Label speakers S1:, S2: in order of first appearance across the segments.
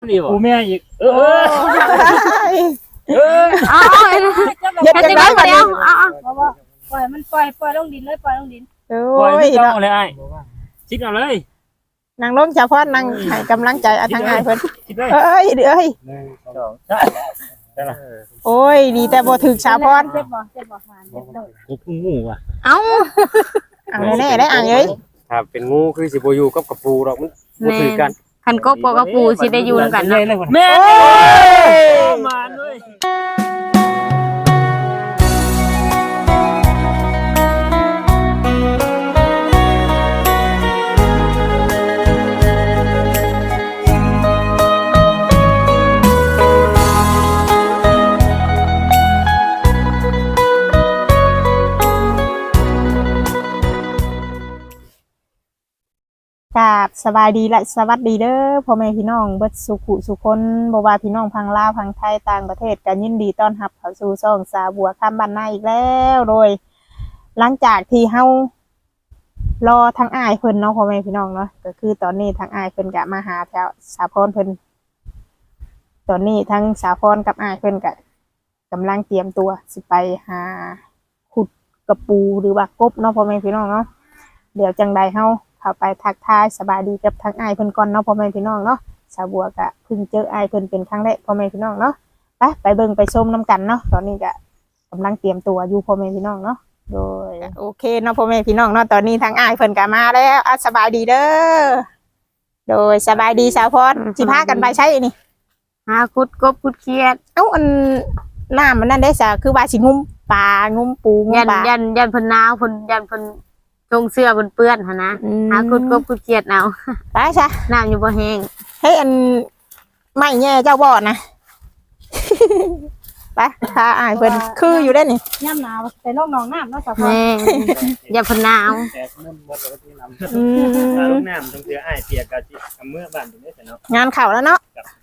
S1: นี่บ่กูแม่อีก
S2: เอา
S3: เย็ดจังได๋บัดนี้
S2: ปล่อยมันปล่อยลงดินเลยปล่อยลงดิน
S3: โอ้
S1: ปล่อย
S3: ย
S1: ไม่ต้อ
S3: เนาะ
S1: งเลยไอ้ชิดเอาเลย
S3: นางลงเฉพาะนางให้กำลังใจทางอ้ายเพิ่น
S1: ชิดเลย
S3: เอ้ยเอ้ย
S1: 1 2 3ได้ละ
S3: โอ้ยดีแต่บ่ถึกชาวพร
S2: เจ็บบ่หวานเจ็บโดด
S1: กูพึ่งงูว่ะ
S3: เอาแน่ๆได้อ่างเอ้ย
S4: ถ้าเป็นงูคือสิบ่อยู่กับกระปูดอกมันบ่ถือกัน
S5: คันกบกับปูสิได้อยู่กันเนาะ
S1: แม่มาด้วย
S3: กราบสบายดีและสวัสดีเด้อพ่อแม่พี่น้องเบิดสุขุสุคนบ่ว่าพี่น้องพังลาวพังไทยต่างประเทศก็ยินดีต้อนรับเข้าสู่ช่องสาวบัวข้ามบ้านนาอีกแล้วโดย หลังจากที่เฮารอทางอ้ายเพิ่นเนาะพ่อแม่พี่น้องเนาะก็คือตอนนี้ทางอ้ายเพิ่นก็มาหาแถวสาพรเพิ่นตอนนี้ทั้งสาพรกับอ้ายเพิ่นก็กำลังเตรียมตัวสิไปหาขุดกระปูหรือว่ากบเนาะพ่อแม่พี่น้องเนาะเดี๋ยวจังใดเฮาเข้าไปทักทายสบายดีกับทางอ้ายเพิ่นก่อนเนาะพ่อแม่พี่น้องเนาะสาวบัวก็เพิ่งเจออ้ายเพิ่นเป็นครั้งแรกพ่อแม่พี่น้องเนาะไปเบิ่งไปชมน้ำกันเนาะตอนนี้ก็กำลังเตรียมตัวอยู่พ่อแม่พี่น้องเนาะโดยโอเคเนาะพ่อแม่พี่น้องเนาะตอนนี้ทางอ้ายเพิ่นก็มาแล้วสบายดีเด้อโดยสบายดีสาวพรสิพากันไปใช้นี่
S5: หาคุดกบคุดเขียด
S3: เอ้าอันน้ำมันนั่นได้ซะคือว่าสิงุ้มปลางุ้มปูงุ้
S5: ยั
S3: ม
S5: น
S3: ปลา
S5: ยันเพิ่นหนาวเพิ่นยันเพิ่นทงเสื้อเพิ่นเปื้อนหั่นนะหาคุดกบคุดเขียดเอา
S3: ไปซะ
S5: น้ำอยู่บ่แห้ง
S3: ให้อันไม่แย่เจ้าบ่อนะ ไปพาอ้ายเพิ่นคืออยู่ได้นี่
S2: ย่ำหนาวไปลงหนองน้ำเนาะสาว
S5: แม่ยันเพิ่นหนาว
S1: แต่มุ่นหมดแล้วที่นำถ้าลูกน้ำต้องเจอไอ้เปียกกะสิเมื่อบ้านตรงนี้แต่เนาะ
S3: งานเข้าแล้วเนาะ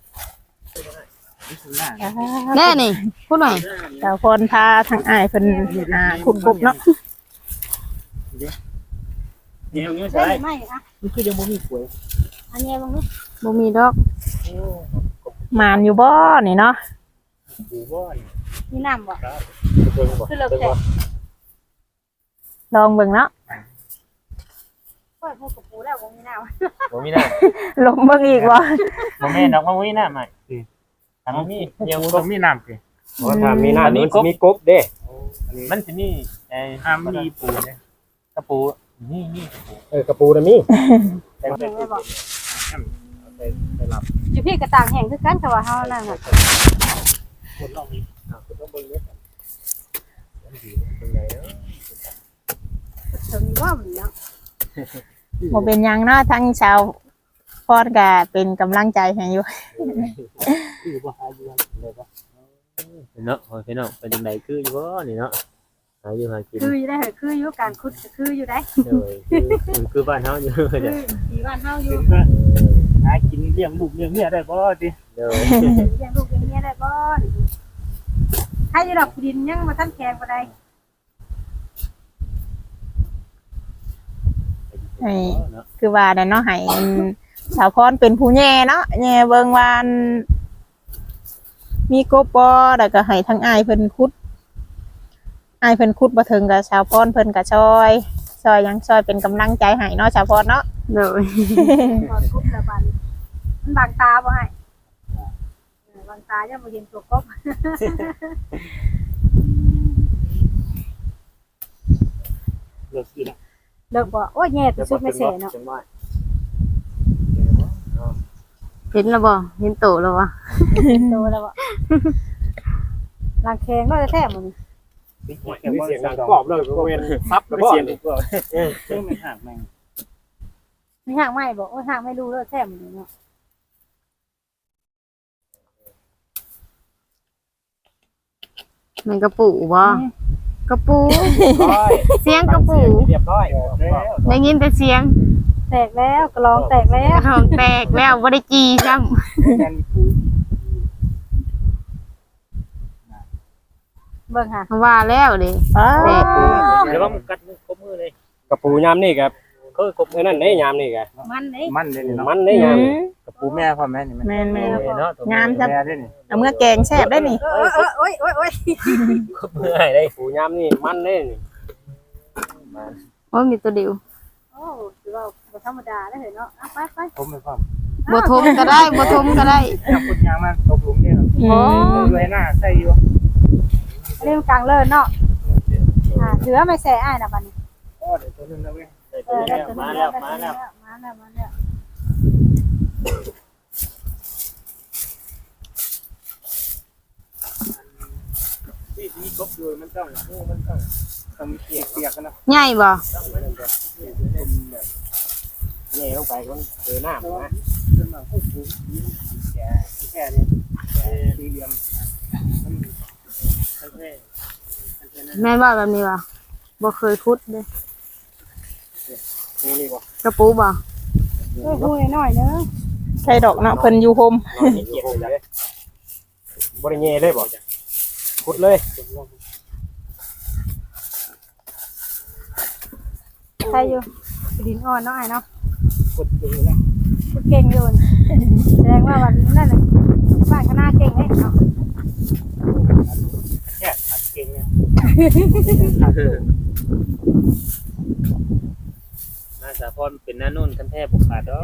S5: แน่นี่พูดหน่อย
S3: สาวพรพาทางอ้ายเพิ่นขุดกบเนาะ
S1: เดี๋ยวนี้
S2: ใช่
S1: ใช่
S2: ไหมอ่ะ
S1: มันคือยังบ่มีป่วย
S2: อันนี้บางที
S5: บ่มีดอก
S3: มานอยู่บ่นี่เนาะ
S1: ปูบ่อน
S2: มีน้ำบ่
S1: เบิ่งบ่
S2: คือเลิกแต่
S3: ลองเบิ่งเนาะ
S2: ปล่อยพวกกับปูแล้วบ่มีน้ำ
S1: บ่มีน้
S3: ลงเบิ่งอีกบ่
S1: ำบ่แม่นดอกบ่มีน้ำใหม่ถ้าบ่มีเดี๋ยวต้องมีน้ำสิ
S4: เพราะถ้ามีหน้ามันสิมีกบเด้
S1: มันสิมีห้ามมีปูเนี่ยกระปูนี่กระปู
S4: กระปูน่ะมี
S1: แต่เป็น ไปรับ
S2: อยู่พี่กระต่างแห้งคือกันแต่ว่าเฮานั่นน่ะ
S1: คนเรามีคุณต้องเบิ่งเด้อเป็นไงเนาะ
S2: ถึงว่ามันเนาะ
S3: บ่เป็นหยังเนาะทั้งชาวพรก็เป็นกำลังใจให้อยู่
S1: คือบ่หาอยู่เลยบ่เนาะพี่น้องเป็นจังไดคืออยู่บ่นี่เนาะหาอยู่หากิน
S2: คืออยู่ได้คืออยู่การขุดคืออยู่ได้
S1: คือบ้านเฮาอยู่
S2: คือ
S1: เด้อ
S2: ที่บ้านเฮาอยู่
S1: หากินเลี้ยงลูกเลี้ยงเมียได้บ่ติเด้อ
S2: เลี้ยงลูกเลี้ยงเมียได้บ่ให้อยู่ดอกดินยังมาทันแข็งบ่ได้
S3: ให้คือว่าได้เนาะให้สาวพรเป็นผู้แย่เนาะแย่เบิ่งว่าอันมีกบบ่แล้วก็ให้ทั้งอ้ายเพิ่นขุดอ้ายเพิ่นขุดบ่ถึงก็สาวพรเพิ่นก็ช่วยหยังช่วยเป็นกำลังใจให้เนาะสาวพรเนาะ
S5: โดย
S2: พอกุบแล้วบัดมันบางตาบ่ให้บางตายังบ่เห็นตัวกบ
S1: เลิกกิน
S2: เลิกบ่โอ้ยแย่ที่สุดไม่เสเนาะ
S5: เห็นแล้วบ่เห็นโตแล้วบ่
S2: โตแล้วบ่ลางแข็งก็จะแท้หมดนี่
S4: เสียงดังกรอบเลยบ่แม่นซับแล้วบ่
S1: เสียงก็มันหักแม่ง
S2: มีหางไหม้บ่โอ้ยหางไม่รู้เลยแท้หมดนี่เนาะ
S5: มันกระปูบ่กระปู เสียงกระปู
S4: เรียบร้อย
S5: ได้ยินแต่เสียง
S2: แตกแล้วกระลองแตกแล้
S5: ก
S2: ว
S5: ระทองแตกแล้วบ่ได้จีซ้ำ
S2: เบิ่งค่ะ
S5: ว่าแล้วดิ
S3: อ้า
S5: แตก
S1: เดี๋ยวว่ามันกัดมือครบมือเลย
S4: กระปูยามนี่ครับ
S1: ก็กบ
S4: เออนั่นได้ยามนี่กะ
S2: มันนี่
S6: มันเด้นี่เนาะ
S4: มันได้ยาม
S6: กับปูแม่พ่อแม่นี่มัน
S3: แม่น
S1: เนาะ
S3: งามจัง
S6: แม่เด้นี่
S3: เอาเมื่อแกงแซ่บได้นี่
S2: โอ้ย
S1: กบเมื่อยได้
S4: ปูยามนี่มันได้นี่
S5: โอ้มีตัวเดียว
S2: โอ้ถือว่าบ่ธรรมดาได้เห็นเนาะไป
S6: ผมไม่พ่อ
S5: บ่ทมก็ได้บ่ทมก็ได้
S6: จับคนยางมาตกหลุมนี่ครับ
S3: อืม
S6: ด้วยหน้าใส่อยู่
S2: เรื่องกลางเลิศเนาะถือว่าไม่แซ่อ้ายนะบัดนี้
S6: โอ้เดี๋ยวตัวนึงนะเว้ย
S1: มาแล้ว
S2: มาแล้ว
S6: ที่กบอยู่มันต้องมีเปียกกันนะ
S5: ใหญ่บ่
S4: แย่ลงไปก็เจอหน้ามันนะ
S6: ขึ้นมาปุ๊บแค่นี้สี่เหลี่ยมมันแค่
S5: แม่นว่าแบบนี้บ่บ่เคยขุดเด้
S4: นี่บ่
S5: กระปูบ่
S2: พูดหน่อยนึง
S3: ใช่ดอกเนาะเพิ่นอยู่โฮม
S4: นอนอยู่โฮมเลยบ่ได้แย่เลยบ่ขุดเลย
S2: ใครอยู่ดินอ่อนเนาะไอ้เนาะ
S6: กดอยู่นะ
S2: พูดเก่งอยู่แสดงว่าวันนั่นน่ะบ้านคณะเก่งเลยเนาะ
S6: แค่ขัดเก่งเนี่ย
S1: น่าสาพรเป็นหน้านุ่นกันแทบบ่ขาดดอก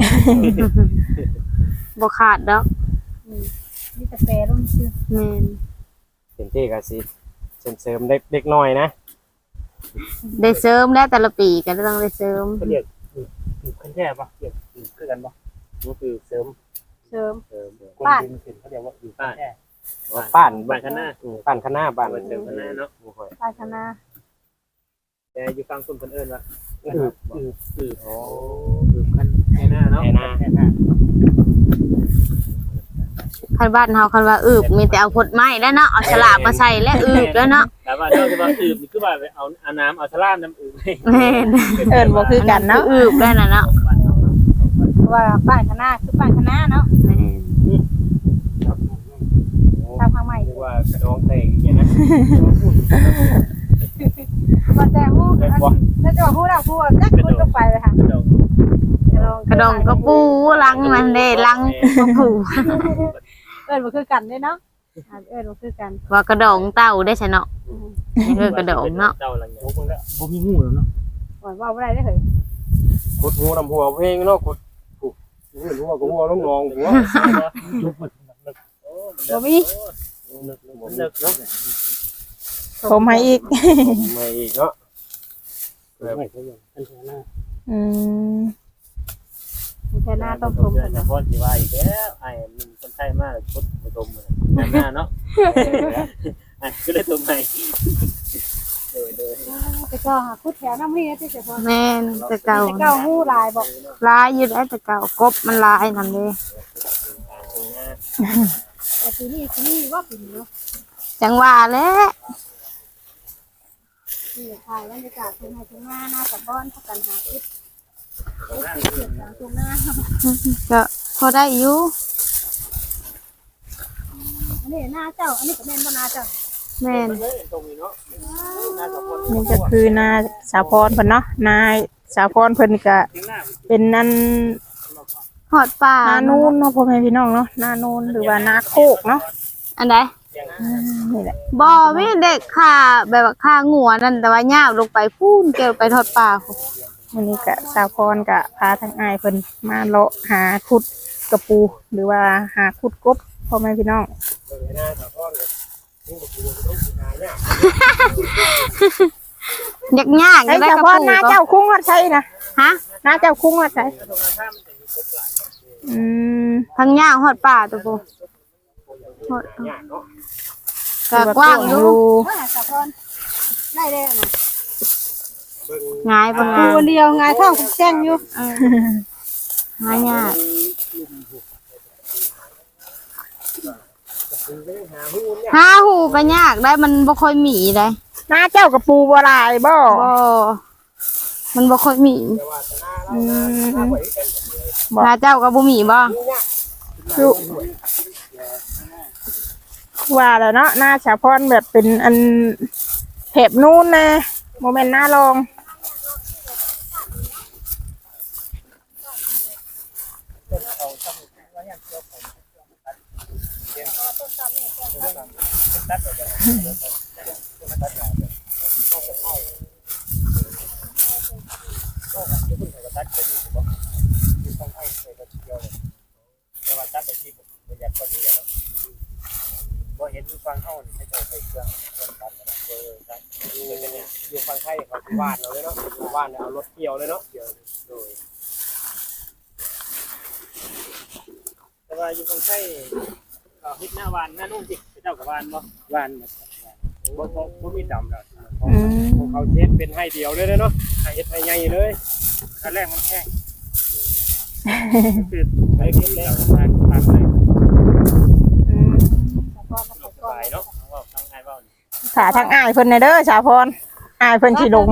S5: บ่ขาดดอก
S2: มีแต่แปรลงชื่อ
S5: แม่น
S4: เป็นที่ก็สิเสริมเด็กน้อยนะ
S5: ได้เสริมแล้วแต่ละปีก็ต้องได้เสริม
S6: เขาเรียกขั้นแค่ปะเรียกคือกันปะ
S1: ก็คือเสริม
S2: เสริม
S6: คนดินขึ้นเขาเรียกว่าอยู่ขั้นแค่
S4: ป้าน
S1: บ้านข้างหน้า
S4: ป้านคณะบ้าน
S1: บ้านเสริมข้างหน้าเนาะ
S2: บ้านคณะ
S1: แต่อยู่ฟังคนเอิ้นว่า
S6: คือ
S1: โอ้คือกันแค่หน้าเนาะ
S4: แค่หน้า
S6: แค่หน้า
S5: คันบ้านเฮาคันว่าอึบมีแต่เอาผลไม้แล้วเนาะเอาฉลากมาใส่และอึบแล้วเนาะ
S1: แต่ว่าเราจะว่าอืบนี่คือว่าเอาน้ำเอาสลามน้ำอืบ
S5: แม่น
S3: เอิ้นบ่คือกันเนาะ
S5: อึบได้น่ะเนาะ
S2: เพราะว่าบ้านคณะคือบ้านคณะเนาะ
S5: แม่น
S2: ทางทางใหม่
S4: เรียกว่ากระดองเต่งอย่างนะ
S2: มาแต่ฮู้แล้วจะฮู้แล้วฮู้จักคุณลงไปเลยค่ะ
S5: กระดองกระปูลังมันเด้ลังกระปู
S2: เอิ้นบ่คือกันเด้เนาะเอิ้นบ่คือกัน
S5: ว่ากระดองเต่าได้ใช่เนาะกระดองเนาะ
S1: เจ้าลัง
S6: โอ้คนละบ่มีงูแล้วเนาะ
S2: ว่าบ่ได้เด้อเฮ้ย
S4: ขุดหัวน้ำหัวเพลงเนาะขุดหัวกับหัวลงนองหัว
S6: ยุบมัน
S2: บ่มี
S1: เลิกเนาะ
S3: ผมให้อีก
S4: ไม่อีกเนาะ
S6: ไม่ใช่ยังขั้นแค่หน้า
S3: อืม
S2: แค่หน้าต้องชม
S1: เดือ
S2: กัน น
S1: แต่
S2: นะ
S1: พ่อสิว่าอีกแล้วไอ้มึงคนไทยมากชุดมาตมเลยหน้าเนาะก็เลยตมใหม่โดย
S2: แต่ก็หาพูดแถวน้ำนี่ที่จะพอ
S5: แม่นแต่เก่า
S2: แต่เก้าฮู้ลายบอก
S5: ลายอยู่ได้แต่เก่ากบมันลายนั่นเด้
S2: แต่ทีนี่ว่าปีนี้เนาะ
S5: จังว่าแหล้ว
S2: ที่ถ่ายบรรยากาศทุ่งไร่ทุ่งนาหน้ากับบ้านพักกันหาคิดเกิดจากทุ่งนา
S5: ก็พอได้อยู่
S2: อันนี้หน้าเจ้าอันนี้ก็แม่นบ่หน้าเจ้า
S5: แม่น
S3: นี่ก็คือนาสาวพรเพิ่นเนาะนายสาวพรเพิ่นก็เป็นนั่น
S5: หอดป่า
S3: นานูนเนาะพ่อแม่พี่น้องเนาะนานูนหรือว่านาโคกเนาะ
S5: อันใด
S3: นี่แหละ
S5: บ่มีเด็กค่ะแบบว่าค่างัวนั่นแต่ว่าย่าวลงไปพูนเกี่ยวไปทอดป่าพุ่น
S3: วันนี้ก็สาวพรก็พาทางอ้ายเพิ่นมาเลาะหาขุดกระปู หรือว่าหาขุดกบพ่อแม่พี่น้อง
S5: ยากๆ
S3: ไอ้
S5: จะได้
S3: สาว
S5: กระ
S3: พ
S5: ปู
S3: รนาเจ้าคุ้งวัดไสนะ
S5: ฮะ
S3: นาเจ้าคุ้งวัดไสอืม
S5: ทั้งย่างหอดป่าตัวปูหอดก็กว้างอยู่
S2: ว่าสะพอนได้เลยนะ
S5: ง่ายบ่
S2: ปู
S5: ง่าย
S2: เดียวไงท้องคุกแจ้งอยู่
S5: ง่ายยากหาหูก็ยากได้มันบ่ค่อยมีได้
S3: นาเจ้ากระปูบ่หลายบ่
S5: บ่มันบ่ค่อยมี
S3: อืม
S5: ถ้าเจ้าก็บ่มีบ่
S3: คือว่าแล้วเนาะหน้าสาวพรแบบเป็นอันแถบนู้นนะโมเมนต์หน้ารอง
S2: ต้นตำนี่เครื่องตัด
S6: ตัดไปตัดยาวเข้าไปเข้าก็คือคุณก็ตัดไปนี่ถูกป่ะคือต้องให้ใส่กระเทียมแต่ว่าตัดไปที่อยากคนนี้แล้วบ่เห็นดูฟังเข้าให้เจ้าใส่เครื่องตัดตัดอยู่ฟังไทยเขาวาดเราเลยเนาะวาดเอารถเกี่ยวเลยเนาะเกี่ยวโดยแต่ว่าอยู่ฟังไทยฮิตหน้าวานหน้านุ่งสิเจ้ากับวานบ่วานบ่มีดำแล้วของเขาเช็ดเป็นให้เดียวเลยเนาะให้เฮ็ดให้ใหญ่เลยขั้นแรกมันแห้งคือไอ้ที่แล้วทางเลยสบายเนาะว่าทางไอ้เว้า
S3: ขาทางอ้ายเพิ่นเด้อชาวพรอ้ายเพิ่นสิลง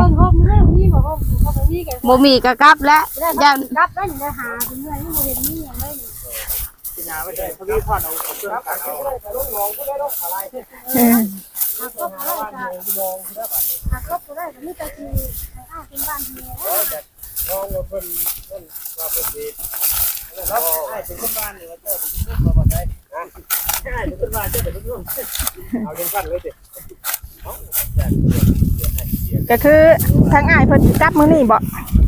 S5: บ่มีก็กลับแล้ว
S2: ย่านรับได้ได้หาถึงเมื่อนี่บ่เห็นมีหยังเลย
S6: ที่นาไม่ใช่เขามีทอดเอาเครื่องตัดเอาลูกน้องก็ได้ลูกอะไร
S2: หากก็ได้หากก็ได้มีแต่ที่ให้อ้าเป็นบ้านเฮีย
S6: น้องเพิ่นว่าเพิ่นดีแล้วไอ้เป็นคนบ้านนี่ว่าเจ้าเป็นคนบ้านบ่ได้ใช่เป็นคนบ้านเจ้าเป็นคนบ้านเอาจังซั่นเลยสิเอ้าจัด
S3: ก็คือทางอ้ายเพิ่นสิกลับมื้อนี้บ่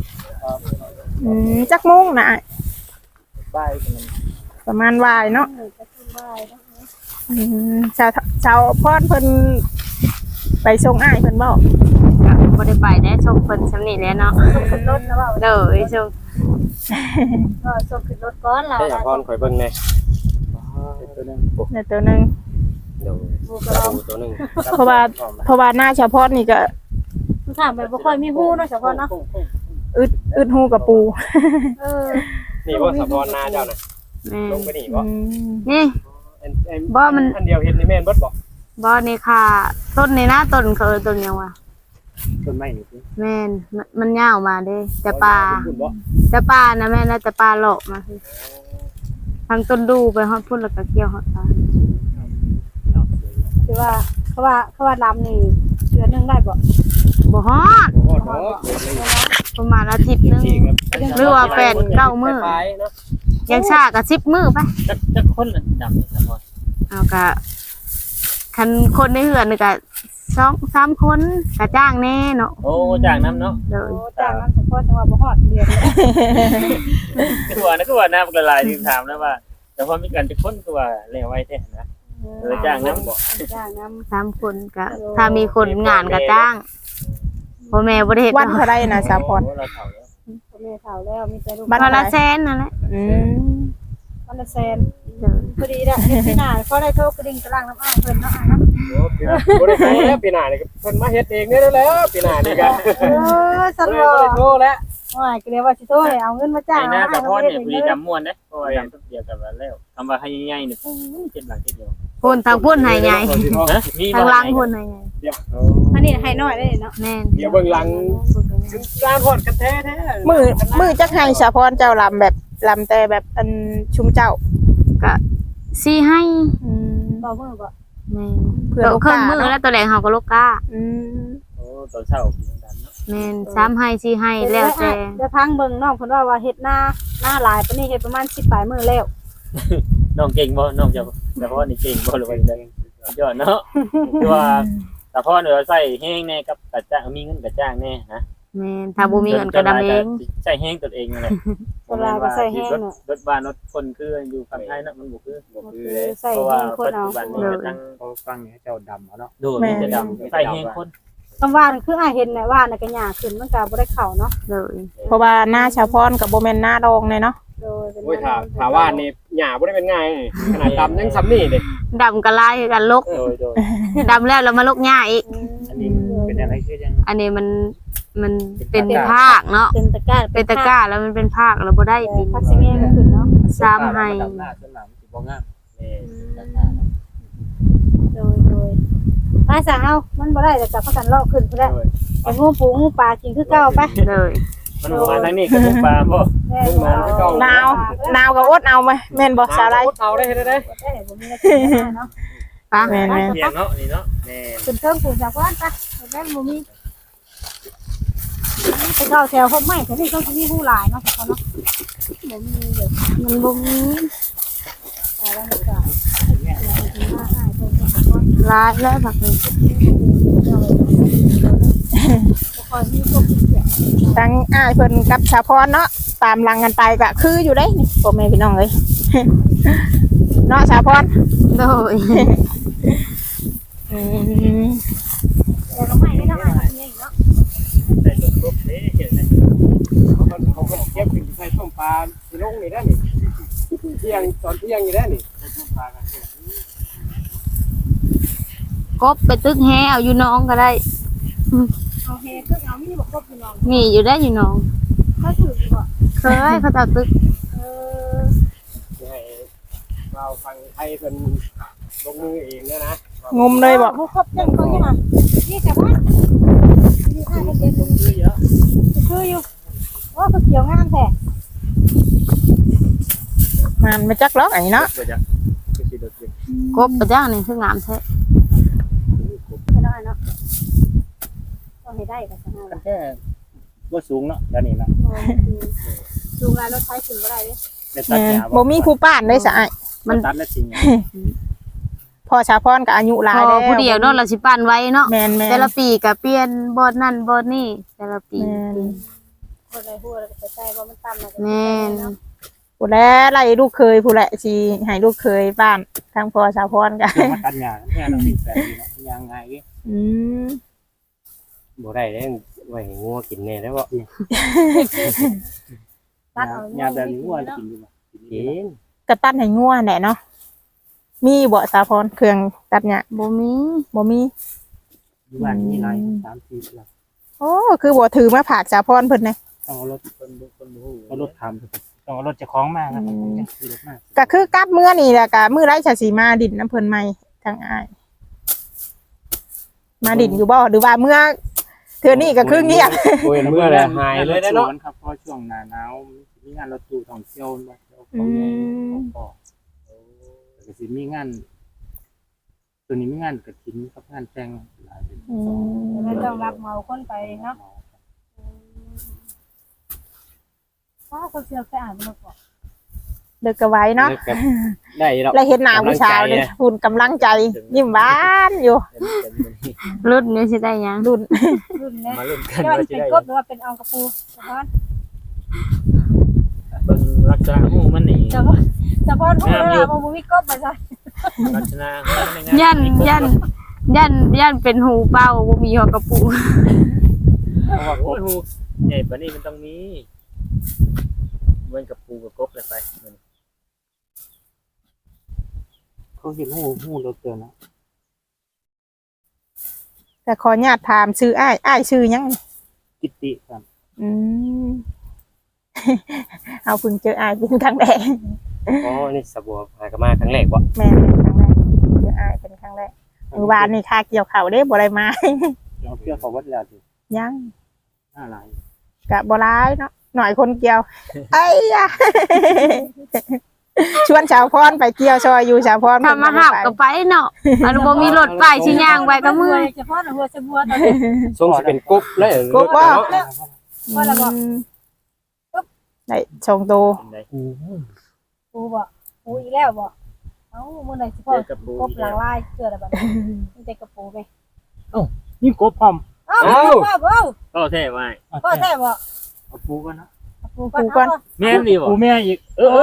S3: จักโมงน่ะอ้าย
S6: บ้านกัน
S3: ประมาณวายเนาะ
S2: จะขึ้นบ้าน
S3: ชาวพรเพิ่นไปส่งอ้ายเพิ่นบ่
S5: บ่ได้ไปได้ส่งเพิ่นซำนี้แหล้วเนาะ
S2: ขึ้นรถแล้วว่า
S5: เด้อส่ง
S2: ก็ส่งขึ้นรถก่อนเรา
S4: ให้พรข่อยเบิ่งแน่ตัวนึง
S3: ในตัวหนึง
S4: เดี๋ยว
S2: บูกรอง
S4: ตัวนึง
S3: เพราะว่าหน้าชาวพรนี่ก็
S2: ถามไปบ่ค่อยมีฮู้เนาะเฉพาะเนาะ
S3: อึดหูกับปู
S4: นี่ว่าสะพรนาเจ้าน่ะ
S5: แม่
S4: ลงไปนี่บ่
S5: นี่
S4: อันเดียวเฮ็ดนี่แม่นเบิดบ่
S5: บ่นี่ค่ะต้นนี่นะต้นเขาต้นหยังวะ
S6: ต้นไม้นี่สิ
S5: แม่นมันยาวมาเด้แต่ป่านะแม่นะแต่ป่าหลอกมาคือทางต้นดูไปฮอดพุ่นแล้วก็เกี่ยวฮอดป่า
S2: คือว่าเขาว่าลำนี่เดือนนึงได้บ่
S5: บ่ฮอด
S6: โอ้โห
S5: ประมาณอาทิตย์นึงหรือว่า8-9มื้อ
S4: ไปเนาะ
S5: ยังช้าก็10มื้อไป
S1: จักคนน่ะดำครับพ่อ
S5: เอาก็คันคนในเฮือนนี่ก็2-3คนก็จ้างแน่เนาะ
S1: โอ้จากน้ำเนาะ
S5: เด้อ
S2: โอ้จ้างนั้นเฉพาะจังหวัดบ่ฮอดเดือน
S1: คือว่านะกระลายที่ถามนะว่าแต่พอมีการจะค้นคือว่าแล้วไว้แท้นะจ้างน้ำบ่
S2: จ้างน้ำ
S5: 3คนก็ถ้ามีคนงานก็จ้างพ่อแม่บ่ได้เฮ็ด
S3: วันเท่าไรนะชาวพร
S1: เราเฒ่าแล้ว
S2: พ่อแม่เฒ่าแล้วมีแต่ลูก
S5: วันละแสนนั่นแหละ
S2: วันละแสนพอดีละเฮ็ดที่หน้าเขาได้โทรกระดิ่งกระลังน้ำอ้ายเพิ่นเนาะอ้ายเนาะ
S4: บ่ได้ไปแล้วปีหน้านี่เพิ่นมาเฮ็ดเองได้แล้วปีหน้านี่ก็
S2: สัน
S4: บ่
S2: บ่
S4: ได้โทรแล้ว
S2: ว่าก็เลยว่าสิโทรให้เอาเงินมาจ้าง
S1: ไอ้หน้า
S2: อ้าย
S1: ตะพ
S2: เขา
S1: อน
S2: เฮ็ด
S1: เนี่ย
S2: เอง
S1: พอดี
S2: เลย
S1: ดำม่วนเด้เพราะว่าดำทุกเดียวกันแล้วคำว่าให้ใหญ่ๆนี่เจ็ดหลังเจ็ดเดียว
S5: พุ่นทางพุ่นให้ใหญ่
S1: ฮะมี
S5: ทางหลังพุ่นให้ใหญ่
S2: อันนี้ให้น้อยได้เนาะ
S5: แม่น
S4: เดี๋ยวเบิ่งหลังการฮอดกันแท้
S3: มือจักให้ชาวพรเจ้าลำแบบลำแต่แบบอันชุมเจ้า
S5: ก็สิให้
S2: บ่มื้อบ่
S5: แม่น
S3: เพื่อ
S5: ตัว
S3: ลูก
S5: เครื่อ
S3: ค้าง
S5: มือ
S3: เนาะ
S5: แล้วตัวแรงเฮาก็ลูกค้า
S1: โอ้ตอนเช้าดันเนาะ
S5: แม่น3ให้4ให้แล้วแต่
S2: เดี๋ยวพังเบิ่งน้องเพิ่นว่าเฮ็ดหน้าหลายปานนี้เฮ็ดประมาณ10ปลายมื้อแล้ว
S1: น้องเก่งบ่น้องจะตะพอนนี่เก่งบ่หรือว่าจังยอดเนาะคือว่าตะพอนเราใส่แห้งแน่กับกระจ้างมีเงินกระจ้างแน่นะ
S5: แม่นถ้าบ่มีเงินก็ดำเอง
S1: ใส่แห้งตัวเองนั่นแหละ
S2: เวลาก็ใส่แห้งเนาะ
S1: รถบ้านรถคนคืออยู่ฝั่งไทยเนาะมันบ่คือ
S2: ใส่
S1: เพราะ
S2: แห้
S1: ว่าง
S2: คน
S1: ปัจ
S2: เอา
S1: จุบันนี้ก็ตั้ง
S6: เขาฟังให้เจ้าดำเอาเนาะ
S1: ดูมีแต่ดำใส่แห้งคน
S2: คำว่านั่นคืออ้ายเห็นน่ะว่าน่ะก็หญ้าขึ้นมันก็บ่ได้เข้าเนาะ
S5: เลย
S3: เพราะว่าหน้าชาวพรกับโบแมนหน้าดองเลยเนาะ
S2: โดยเป็น
S4: โอ้ยถาว่านี่หญ้าบ่ได้เป็นง่ายขนาดดำยังซ้ำนี่เด้
S5: ดำก็ลายคือกันลก
S1: โดย
S5: ดำแล้วมาลกหญ้าอีก
S6: อันนี้เป็นอะไรคือยัง
S5: อันนี้มันเป็นภาคเนาะ
S2: เป็นตะกร้า
S5: เป็นตะกร้าแล้วมันเป็นภาคแล้วบ่ได้ปี
S2: พักสิแง่ก็ขึ้นเนาะ
S5: 3ให้
S6: ดำหน้าจนหลังสิบ่งาม
S2: โดยอ้ายสาวมันบ่ได้แต่จับพักกันเลาะขึ้นพุ่นแหละไปงูปูงูปลากินคือเก่าไป
S5: เลย
S1: มันมาทางนี้ก็มุกปลาบ่
S2: แม่
S3: หนาวกับอดเอาไหมแม่นบอกสาไร
S4: เอาได้เฮ็ดได้
S2: ได้บ่มีอะไรกินเนาะ
S5: ปะ
S3: แม่น
S1: เสียงเนาะนี่เนาะแม่
S2: ขึ้นเทิงปูจากบ้านไปแม่บ่มีไปเข้าแถวคบไม่แถวนี้ต้องมีผู้หลายเนาะเขาเนาะบ่มีเด้อ
S5: มันบ่มี
S2: แต่ว่าก็
S5: หลายแล้วผักนี่
S2: คอยมีพวกเสีย
S3: ทั้งอ้ายเพิ่นกับสาวพรเนาะตามหลังกันไปก็คืออยู่ได้นี่พ่อแม่พี่น้องเอ้ย เนาะสาวพร
S5: โดย
S2: แต่ก็ไม่ได้ทำอะไรเนี่ยเนาะ
S6: ใส่ต้นกบเด้เห็นไหม
S4: เขาก็เก็บถึงใส่ต้มปลาสิลงนี่ได้นี่เที่ยงตอนเที่ยงนี่ได้นี่
S6: ใส่ต้นปลากัน
S5: กบไปตึกแฮเอาอยู่น้องก็ได้
S2: เอาเฮก็เอามีบอกครบอยู่น้อง
S5: มีอยู่ได้อยู่น้อง
S2: เขาถือบ่
S5: เคยเขาจะเอาตึก
S4: ให้เราฟังไทยเป็นลงมือเองนะ
S3: งมเลยบ่
S2: เขาครบจังเขาใช่ไหมนี่แต่ว่านี่ถ้าเป็นเด็ก
S6: คือเยอะ
S2: คืออยู่ว่าเขาเกี่ยวงานแท้
S3: มันมาจักล็อกอันนี้เนาะ
S6: เดี๋ยวจะคือสิโดดเด่น
S5: กบประจ้างนี่คืองามแท้
S2: ไม่ได้เนาะต้องให้ได้กับสนาม
S6: แค่ว่าสูงเนาะแล้วนี่เนาะ
S2: ดูงานรถไฟถึงก็ได้เลย
S6: ได้ตัดหญ้า
S3: บ่มีผู้ป้านเลยสะอ้าย
S6: มันตัดแล้วจริง
S3: พ่อสาวพรก็อายุหลาย
S5: พ
S3: แล้
S5: อ
S3: ว
S5: ผู้เดียวเนาะเราสิปั้นไว้เนาะ
S3: แม่นๆ
S5: แต่ละปีก็เปลี่ยนบอนนั่นบอนนี่แต่ละปี
S3: แม่น
S2: คนใดหัวเราจะใส่ว่ามันต่ำนะ
S5: แม่น
S3: ผู้แลไล่ลูกเคยผู้แลสิให้ลูกเคยบ้านทางพ่อสาวพรก็
S6: เดี๋ยวมาตัดหญ้าแค่เราวิ่งแสงเนาะยังไง
S3: อืม
S4: บ่ได้ได้ไว้งัวกินแน่ได้บ่
S2: ตัดเอา
S6: หญ้าแบบนี้ว่ากินดีป่ะกินดี
S4: กิน
S3: ก็ตัดให้งัวแหละเนาะมีบ่สาวพรเครื่องตัดหญ้า
S5: บ่มี
S3: บ่มี
S6: อยู่บ้านมีไร3-4หลัก
S3: โอ้คือบ่ถือมาผากสาวพรเพิ่นนะ
S6: ต้องเอารถเอารถทำต้องเอารถจะคล้องมากครับรถมาก
S3: ก็คือกลับมื้อนี่แหละก็มื้อไรจะสิมาดินน้ำเพิ่นใหม่ทางอ้ายมาดินอยู่บ่หรือว่าเมื่อเทื่อนี้ก็คือเงียบ
S4: โอ้ยเมื่อไรหายเลยได้เนาะ
S6: ครับเพราะช่วงหน้าหนาวมีงานรถตู้ท่องเที่ยวมาเที่ยว
S3: อื
S6: เขาใหญ่
S3: ม
S6: ก็สิมีงานตัวนี้มีงานกระถิ่นกับงานแต่งหลายเป็น
S3: อืม
S2: ไม่ต้องรับเมาคนไปเนาะถ้าเขาเชื่อแค่อ่านมาก่อน
S3: เลิกก็ไว้เนาะ
S4: ได้ดอก
S3: แล้วเห็นหน้าผู้สาวนี่หุ่นกำลังใจยิ้มหวานอยู่
S5: รุ่นนี้สิได้หยัง
S3: รุ่น
S2: รุ่นนี้
S6: มาเริ่มกัน
S2: จะว่า
S6: ว่า
S2: จะ
S6: จะ
S2: เป็น
S6: ได้
S2: กบหรือว่าเป็นอองกระปูสะพอน
S6: เบิ่งลักษณะหูมันนี่
S2: สะพอนพูดแล้วเราบ่มีกบมาใส่
S6: ลักษณะ
S5: ยันเป็นหูเป้าบ่มีหอกกระปู
S6: เพราะว่าโอ้ยหูใหญ่ปานนี้มันต้องมีเหมือนกับปูกับกบเลยไปเขาเห็นหูเราเกินนะ
S3: แต่ขออนุญาตถามชื่ออ้ายชื่อหยัง
S6: กิตติครับ
S3: อืม เอาเพิ่งเจออ้ายเป็นครั้งแรก
S4: อ๋อนี่สบัวหากมาครั้งแรกบ่
S3: แม่เป็นครั้งแรกเจออ้ายเป็นครั้งแรกมื้อวานนี่ค่าเกี่ยวข้าวเด้บ่ได้มา
S6: เราเพื่อเขาวัดแล้วดิ
S3: ยัง
S6: หน้าลาย
S3: กะบ่ร้ายเนาะหน่อยคนเกี่ยวไอ้ยะ ชวนชาวพรไปเกี่ยวซอยอยู่ชาวพร
S5: ถ้ามาหับก็ไปเนาะมันบ่มีรถไปสิย่างไปก็มือ
S2: เฉพาะหัวสะบัวตอนนี้
S4: ทรงสิเป็นกบเลย
S3: กบว่า
S2: ว่าละบ่
S3: ได้ชงโต
S6: เป็นไง
S2: ปูบ่ปูอีแล้วบ่เอ้ามื้อไหนสิพ่อกบหลังลายเกิดอะไรบัดนี้มันจะกระปูไป
S6: นี่กบพร้อม
S2: เอ้าบ่
S6: ก็แท้ไว้
S2: ก็แท้บ่
S6: เอาปูกันนะ
S2: ปูก่อน
S6: แม่ดีบ่ปูแม่อีก
S3: เอ้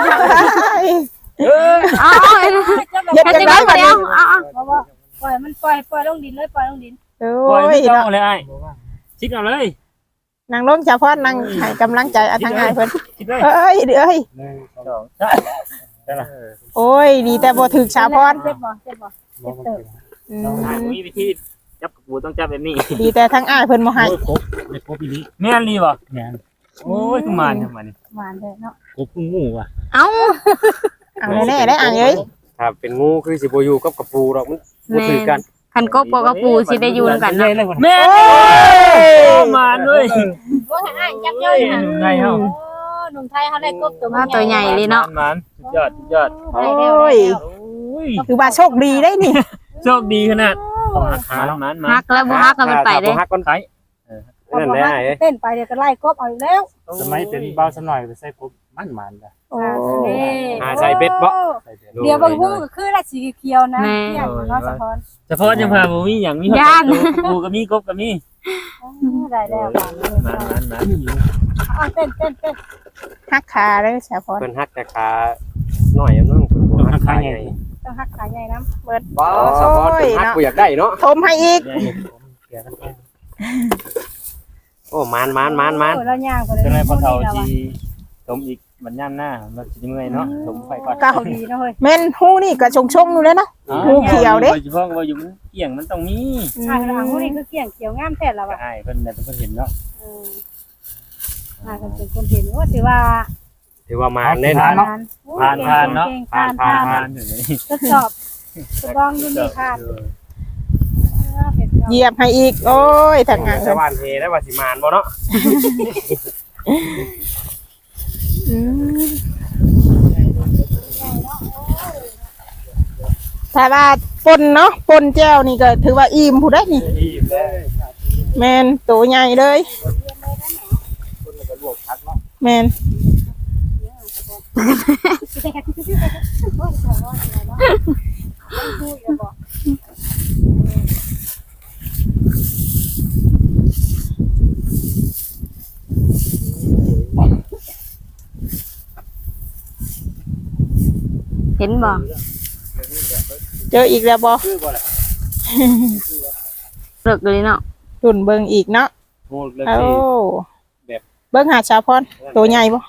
S5: อ๋อ
S3: เฮ็ดจังได๋บัดนี้
S2: บ่ปล่อยมันปล่อยลงดินเลยปล่อยลงดิน
S3: โอ้
S6: ปล่อย
S3: ย
S6: ไม่ต้อ
S3: เนาะ
S6: งเลยไอ้ชิกเอาเลย
S3: นางลงชาวพรนางให้กำลังใจทางอ้ายเพิ่น
S6: คิดเลย
S3: เอ้ยเอ้ย
S6: 1 2 3ได้ละ
S3: โอ้ยดีแต่บ่ถึกชาวพร
S2: เจ็บบ่เจ็บบ่เจ็บเติบ
S3: อื
S6: ต้องหา
S3: ม
S6: วิธีจับกับปูต้องจับแบบนี้
S3: ดีแต่ทางอ้ายเพิ่นบ่ให้
S6: กบในกบอีนี้แม่นรีบ่แม่นโอ้ยคือมันครับมัน
S2: หวานเลยเนาะ
S6: กบกุ้งงูว่ะ
S5: เอ้า
S3: เอาแน่ๆได้อ่างเอ้ย
S4: ครับเป็นงูคือสิบ่อยู่กับกระปูดอกมันบ่ถือกัน
S5: คันกบกับกระปูสิได้อยู่นำกันเนาะ
S6: แม่มันด้วย
S2: บ่ให้อ้ายจับย่อยน่ะ
S6: ไงเฮา
S2: โอ้หนุ่มไทยเขาได้กบตัว
S5: ว่าตัวใหญ่เลยเนาะ
S6: มันสุดยอดสุดยอด
S3: โอ้ย
S6: โอ้ย
S3: คือว่าโชคดีได้นี่
S6: โชคดีขนาดต้องหักขาแล้วมัน
S5: ฮักแล้วบ่ฮักก็มันไปเด้
S4: ฮักก่อน
S6: ไข่
S4: นั่นได้
S2: เต้นไปเดี๋ยวก็ไล่กบเอาอีกแล้ว
S6: สมัยเป็นเบาสำหน่อยไปใส่กบมันๆนะ
S3: โอ้
S4: ใส่เบ็ดบ่
S2: เดี๋ยวบางหูก็คือละสีเขียวนะเที่ยงเนาะสะพอน
S1: เฉพาะยังพาบ่มีหยังมีปูก็มีกบก็มี
S2: ได้แล้วบาง
S1: มัน
S2: เอาเต้น
S3: ฮักขาเด้อสาวพร
S4: เพิ่นฮักแต่ขาหน่อยนึงเพิ่นบ่ฮักขาใหญ่
S2: ต้องหักขาใหญ่น้ำ
S3: เบิด
S4: บ่สะพอนเพิ่นฮักกูอยากได้เนาะ
S3: ทมให้อีก
S4: โอ้มาน
S2: เราย่างไปเลย
S1: ก็เลยพอเฒ่าที่สมอีกมันย่ำหน้ามันสิเมื่อยเนาะสมไฟก่อน
S3: เก้า
S2: ดีนะเฮ้ย
S3: แม่นหูนี่ก็ชงๆอยู่แล้วเนาะ หูเขียวเด้
S1: เฉพาะว่าอยู่มันเกี่ยงมันต้องมี
S2: อ่าหลังหูนี่คือเกี่ยงเขียวงามแท้แล้ว
S1: ก็
S2: อ่ะ
S1: อ้ายเพิ่นน่ะเป็นคนเห็นเนาะ
S2: กันเป็นคนเห็นว่าถือว่า
S4: ถือว่ามานเด้
S1: ผ่าน
S4: เนาะ
S1: ผ่านเนาะ
S2: ผ่าน
S1: ผ่านอยู่นี่
S2: ทดสอบทดลองดูนี่ค่ะ
S3: เหยียบให้อีก โอ้ยทางงาน
S4: ชาวบ้านเฮได้ว่าสิมานบ่เนาะ
S3: อืมถ้าว่าปนเนาะปนแก้วนี่ก็ถือว่าอิ่มผู้ได้นี่
S6: อิ่มแล้ว
S3: แม่นตัวใหญ่เลย
S6: คนก็ลวกพักเนาะ
S3: แม่น
S5: เห็นบ่
S3: เจออีกแล้วบ่
S6: คือบ่ล่ะ
S5: เลิกเลยเนาะ
S3: รุ่นเบิ่งอีกเนาะ
S6: โหดเลย
S3: โอ้
S6: สิแบบ
S3: เบิ่งหาชาวพรตัวใหญ่บ่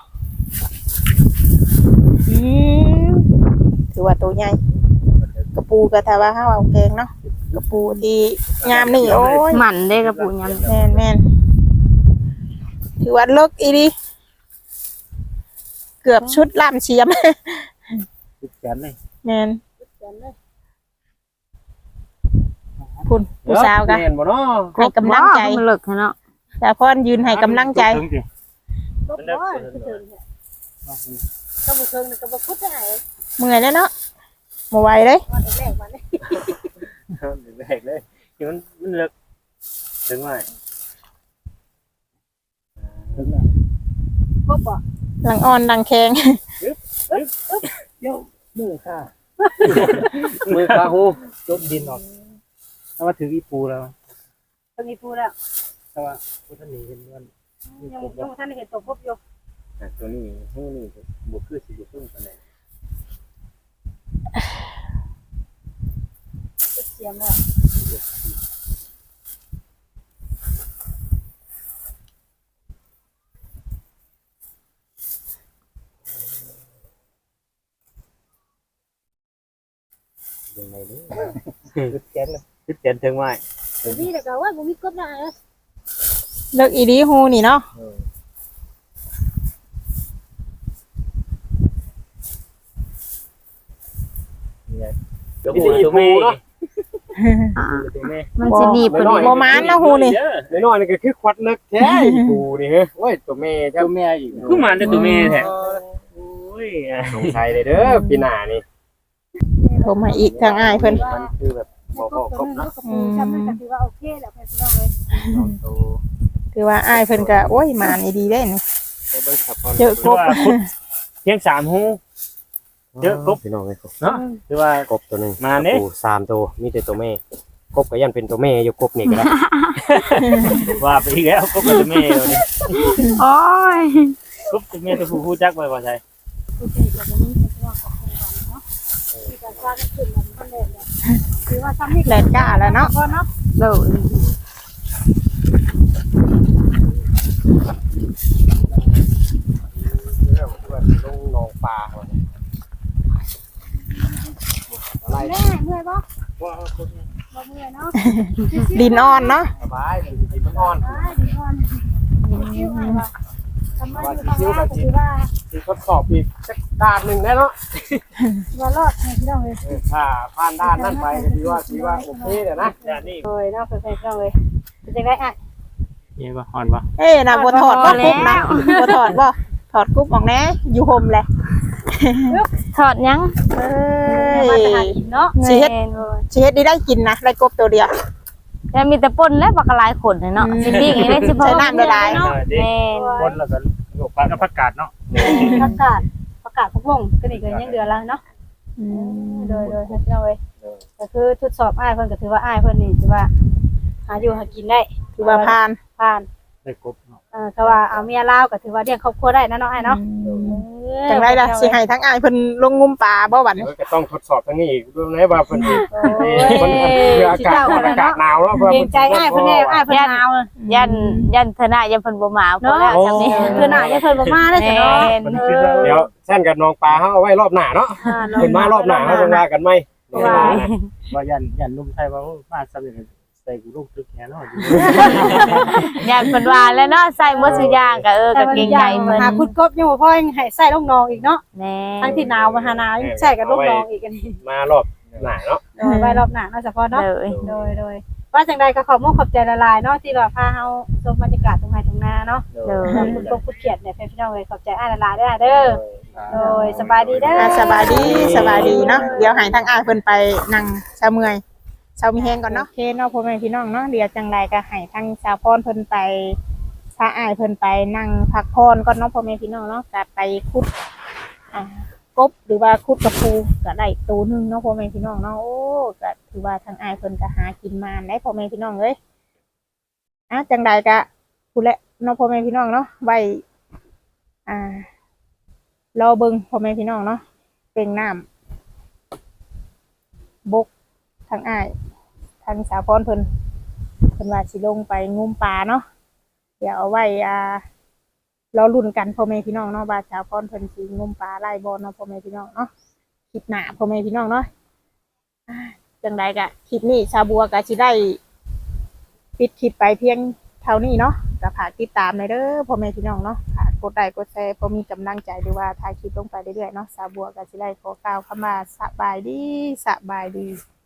S3: อืมถือว่าตัวใหญ่กระปูกระทาว่าห้าเอาแกงเนาะกระปูที่งามนี่โอ้ย
S5: หมันได้กระปุกยำ
S3: แม่นถือว่าเลิกอีดีเกือบชุดล่ามเชียม
S6: ติดแขนเลย
S3: แม่นคุณผู้สาวกัน
S4: แม่นบ่เนาะ
S3: ให้กำลังใจ
S5: มันเลิกเนาะ
S3: ชาวพรยืนให้กำลังใจ
S2: ก็บ่คือถึงก็บ่ถึงก็บ่พุดได้
S3: เมื่อยแล้วเนาะบ่ไหวเลย
S2: วันแรกวันนี้
S1: แบกเลยคือมันเลิกถึงว่า
S6: ถึงแล้ว
S2: ก็บ่
S3: หลังอ่อนดังแข็ง
S6: เดี๋ยวมือค่ะ
S4: มือขาหู
S6: จบดินออกถ้าว่าถืออีปูแล้ว
S2: ตรงนี้พูดแล้ว
S6: ถ้าว่าพุทธนีเห็นมัน
S2: ยังท่านเห็นตัวพบอยู่
S1: ตัวนี้หูนี่บ่คือสิบ่ซึ่งปานใด
S2: เสียมแล้ว
S1: ยังไงนี่
S6: ติดแขนเลย
S1: คิดเต็นถึงว่า
S2: นี่แต่ก็ว่าบ่มีกบได้
S3: เลิกอีดีฮูนี่เนาะ
S1: ตัวผู้ตัวแม่เนาะ
S5: อ่า
S1: ตัวแม่
S5: มันสิหนีบพอดี
S3: บ่มานเนาะฮูนี่
S4: น้อยๆนี่ก็คือควัดเลิกแท้อีปูนี่เฮ้ยโอ้ยตัวแม่เจ้า
S6: ตัวแม่อีก
S1: คือมันได้ตัวแม่แท้โอ้ย
S4: สงสัยเลยเด้อปีหน้านี่
S3: โทรมาอีกทางอ้ายเพิ่น
S1: มันคือแบบบ่ครบเนาะ
S2: จำได้ก็ถือว่าโอเคแล้วเพิ่นน้องเลย
S1: ตัว
S3: คือว่าอ้ายเพิ่นก็โอ้ยมานี่ดีเด้นี่
S4: ไปเบิ่งสะพอน
S3: เจอกบ
S1: เพียง3หูเยอะกบ
S4: พี่น้องเอ้ย
S1: เนาะคือว่าก
S4: บตัวนึง
S1: มาเด้
S4: ปู3ตัวมีแต่ตัวแม่กบก็ยันเป็นตัวแม่อยู่กบนี่ก็ได้
S1: ว่าไปอีกแล้วกบตัวแม่นี่
S5: โอ้ย
S1: กบตัวแม่ตัวผู้ฮู้จักไว้บ่ใช่
S2: โอเคก็บ่มีเรื่องของเนาะที่จะสร้างขึ้นมันเล่นคือว่าซ้ำนี่
S3: แลนก้าแล้วเนาะ
S2: พอเนาะ
S5: เลิก
S4: เรื่องเพื่อนลงหนองปลาว่ะอะไร
S2: แม่เมื่อยบ่
S6: ว่าคน
S2: บ่เมื่อยเนาะ
S3: ดินอ่อนเนาะ
S4: สบายมันสิมันอ่อน
S2: ดีก่อนคิวให้ว่าทำไมอยู่ตรงนั้นก็คือว่า
S4: สิทดสอบอีกสักด้านหนึงได้เนาะ
S2: ว่ารอดให้พี่น้องเลย
S4: ถ้าผ่านด้านนั้นไปก็ถือว่าโอเคเดี๋ยวนะ
S1: ด้านนี้
S2: โอ้ยเนาะเพิ่นๆพี่น้องเลยเป็นจังได๋อ่ะ
S1: นี่บ่อ่อนบ่
S3: เอ้ยน่ะบ่ถอดบ่กุ๊บนะบ่ถอดบ่ถอดกุ๊บออกแน่อยู่ห่มแหละ
S5: ถอดยัง
S3: เอ้
S2: มาจะหาย กินเนาะ
S3: สิเฮ็ด
S5: แม่นบ่
S3: สิเฮ็ดได้กินนะได้กบตัวเดียว
S5: แต่มีแต่ป่นและบักกะลายขนเนาะสิปิ้งให้ได้สิพอ
S3: ใส่น้ำละลาย
S5: เนาะแม่น
S6: คนแล้วก็ยกปลากับผักกาดเนาะ
S2: ประกาศพกวงก็นี่ก็ยังเดือนละเนาะโดยพี่น้องเอ้ยก็คือทดสอบอ้ายเพิ่นก็ถือว่าอ้ายเพิ่นนี่ถือว่าหาอยู่หากินได้
S3: ถือว่าผ่าน
S6: ได้กบเนาะ
S2: ก็ว่าเอาเมียลาวก็ถือว่าเลี้ยงครอบครัวได้นะเนาะอ้ายเนาะ
S3: จังไดล่ะสิให้ทั้งอ้ายเพิ่นลงงุมปลาบ่บัดนี้
S4: ก็ต้องทดสอบทั้งนี้อีกดูนะว่าเพิ่นสิมันคืออากาศหนาวแล้ว
S2: เกรงใจอ้ายเพิ่นแน่อ้ายเพิ่นหนาว
S5: ยันธนะยันเพิ่นบ่มาพอแล้วจำนี้
S2: คือหน้าอย่าเพิ่นบ่มาเด้อจ้ะเนาะ
S4: เดี๋ยวแซ่นกับน้องปลาเฮาเอาไว้รอบหน้าเนาะเพิ่นมารอบหน้าเฮาจังว่ากันไหม
S6: ว่ายันนุ่มไทยว่ามาสำเร็จใส่กูลูกตึกแค่เนาะ
S5: ยันเพิ่นว่าแล้วเนาะใส่หมดสุอย่างก็ก็เก่งใจเพิ่น
S2: หาคุดกบยังบ่พอยังให้ใส่ลูกน้องอีกเนาะ
S5: แน่
S2: ทั้งที่หนาวมาหาหนาวยังใส่กับลูกน้องอีกอันนี้
S4: มารอบหน้าเนาะ
S2: ไว้รอบหน้าเนาะเฉพาะเนาะ
S5: เลย
S2: โดยว่าจังใดก็ขอบคุณขอบใจละลายเนาะที่เราพาเฮาชมบรรยากาศตรงไห้ตรงนาเนาะ
S5: เลย
S2: คุณตกคุณเขียดเนี่ยพี่น้องเอ้ยขอบใจอ้ายละลายเด้อเด้อโดยสบายดีเด้อ
S3: สบายดีเนาะเดี๋ยวให้ทั้งอ้ายเพิ่นไปนั่งชาเมื่อยชาวมีแฮงก่อนเนาะโอเคเนาะพ่อแม่พี่น้องเนาะเดี๋ยวจังใดก็ให้ทั้งชาวพรเพิ่นไปพาอ้ายเพิ่นไปนั่งพักผ่อนก่อนเนาะพ่อแม่พี่น้องเนาะก็ไปขุดกบหรือว่าคุดกระปูก็ได้ตัวหนึงเนาะพ่อแม่พี่น้องเนาะโอ้ก็ถือว่าทางอ้ายเพิ่นก็หากินมาได้พ่อแม่พี่น้องเอ้ยจังใดก็พูดแล้วเนาะพ่อแม่พี่น้องเนาะไว้รอเบิ่งพ่อแม่พี่น้องเนาะเป็นน้ำบกทางอ้ายทางสาวพรเพิ่นว่าสิลงไปงมปลาเนาะเดี๋ยวเอาไว้รอลุ้นกันพ่อแม่พี่น้องเนาะว่าสาวพรเพิ่นสิงมปลาไล่บอลเนาะพ่อแม่พี่น้องเนาะคลิปหน้าพ่อแม่พี่น้องเนาะจังใดก็คลิปนี้ชาวบัวก็สิได้ปิดคลิปไปเพียงเท่านี้เนาะก็ฝากติดตามเลยเด้อพ่อแม่พี่น้องเนาะฝากกดไลค์กดแชร์เพื่อมีกำลังใจด้วยว่าถ่ายคลิปลงไปเรื่อยๆเนาะชาวบัวก็สิได้ขอกล่าวคำว่าสบายดี